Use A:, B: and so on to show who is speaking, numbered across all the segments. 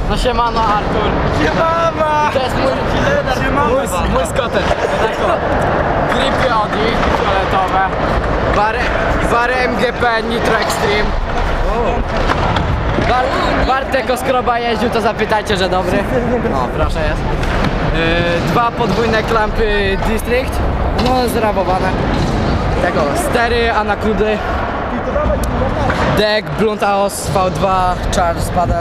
A: No siemano Artur.
B: Siemama!
A: To jest mój skoter. Gripy Audi fioletowe. Bary MGP Nitro Extreme. Bartek Oskroba jeździł, to zapytajcie, że dobry. No proszę jest. Dwa podwójne klampy District. No zrabowane. Tego stery Anakudy. Deck Blunt AOS V2 Charge Paddle.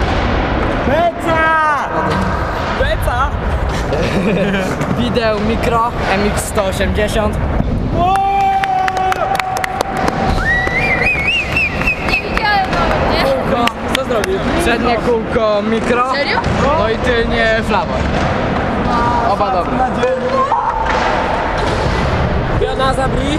B: Beca!
A: Wideo Mikro MX180.
C: Nie widziałem nawet, nie?
A: Kółko,
B: Co zrobił?
A: przednie kółko Mikro.
C: Serio?
A: No i tylnie Flavor. Oba dobre.
B: Piana zabri.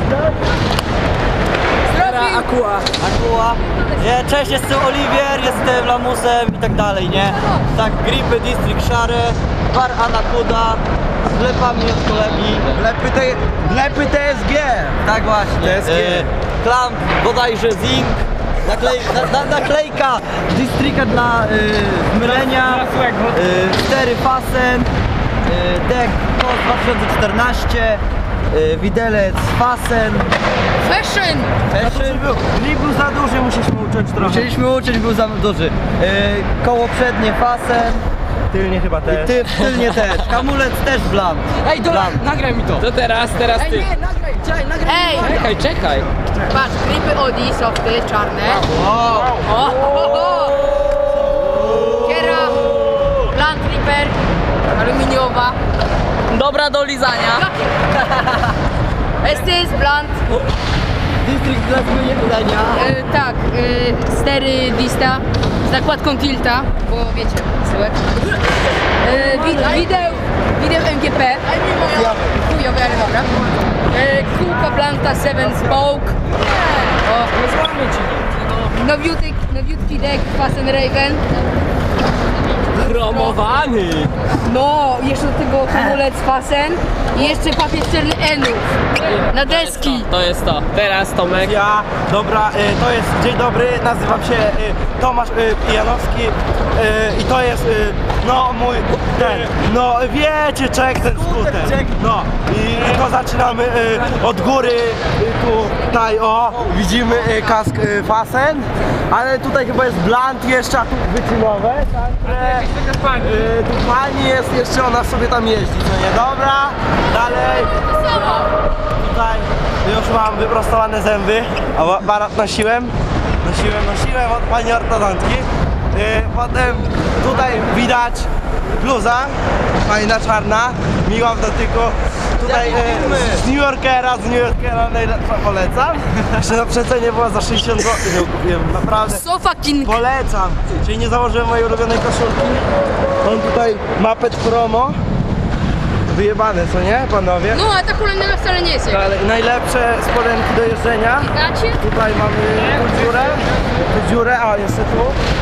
C: Zrobił!
D: Akua. Nie, cześć, jestem Oliwier, jestem Lamusem i tak dalej, nie? Tak, Gripy, District Szary, Bar Anakuda, z wlepami od kolegi.
B: Wlepy TSG!
D: Tak właśnie.
B: TSG.
D: Klamp, bodajże Zinc. Naklejka Districta dla mylenia. Stery Fasen. Deck KOS 2014. Widelec Fasen.
C: Fashion!
D: Grip był za duży, musieliśmy uciąć trochę. Musieliśmy uciąć, był za duży. Koło przednie Fasen.
B: Tylnie chyba też.
D: Tylnie też. Hamulec też blunt.
A: Ej, nagraj mi to.
B: To teraz
A: Ej,
B: ty.
A: nie, nagraj.
C: Ej!
B: Czekaj.
C: Patrz, gripy Audi, softy, czarne.
D: Wow.
C: O! Kiera, Blunt Reaper, aluminiowa.
B: Dobra do lizania.
C: Estes, Blunt.
D: District dla zmieniania.
C: Tak, stery Dista z nakładką Tilta, bo wiecie, syłek. Wideo MGP. Chujowy, ale dobra. Kółka Blanta 7 Spoke. Nowiutki deck Fasen Raven.
B: Promowany.
C: No, jeszcze do tego hamulec Fasen i jeszcze papier czerny Enów na deski.
B: To jest to. Teraz Tomek.
E: Dobra, to jest dzień dobry, nazywam się Tomasz Janowski i to jest no mój no wiecie czek ten skuter. No i to zaczynamy od góry, tutaj widzimy kask Fasen, ale tutaj chyba jest blunt jeszcze, a tu wyczynowe, także tu pani jest jeszcze, ona sobie tam jeździ, co nie? Dobra, dalej. Tutaj już mam wyprostowane zęby, a barat nosiłem od pani ortodontki. Potem tutaj widać bluza, fajna czarna, miła w dotyku. Tutaj z New Yorkera najlepsza polecam. Jeszcze na przecenie była za 60 zł, ją kupiłem, naprawdę.
C: So fucking...
E: Polecam, czyli nie założyłem mojej ulubionej koszulki. Mam tutaj mapet promo. Wyjebane, co nie, panowie?
C: No, a ta hulajnoga wcale nie jest
E: Ale najlepsze spodenki do jeżdżenia.
C: Gacie?
E: Tutaj mamy tu dziurę, a jeszcze tu.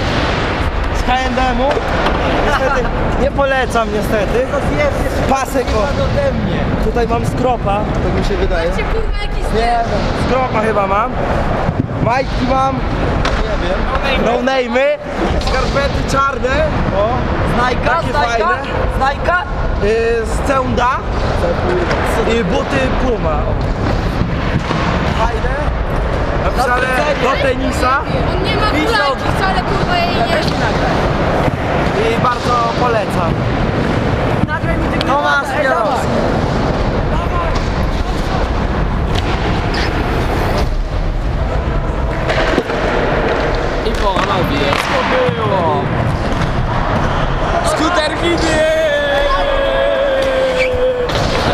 E: Z H&M-u. Niestety, nie polecam niestety. Pasek
D: ode mnie.
E: Tutaj mam skropa, tak mi się wydaje.
C: Patrzcie, kurwa, jakiś
E: Nie, skropa chyba mam. Majki mam. Nie wiem. No name'y. Skarpety czarne. O,
D: Znajka,
E: takie fajne.
D: Znajka.
E: Z Ceunda. I buty Puma. Fajne. Napisane do tenisa.
C: On nie ma kulajki wcale, kurwa, jej nie...
E: I bardzo polecam.
D: Tomasz Janowski.
B: I połamał. Jest to było. Skuter Gidi.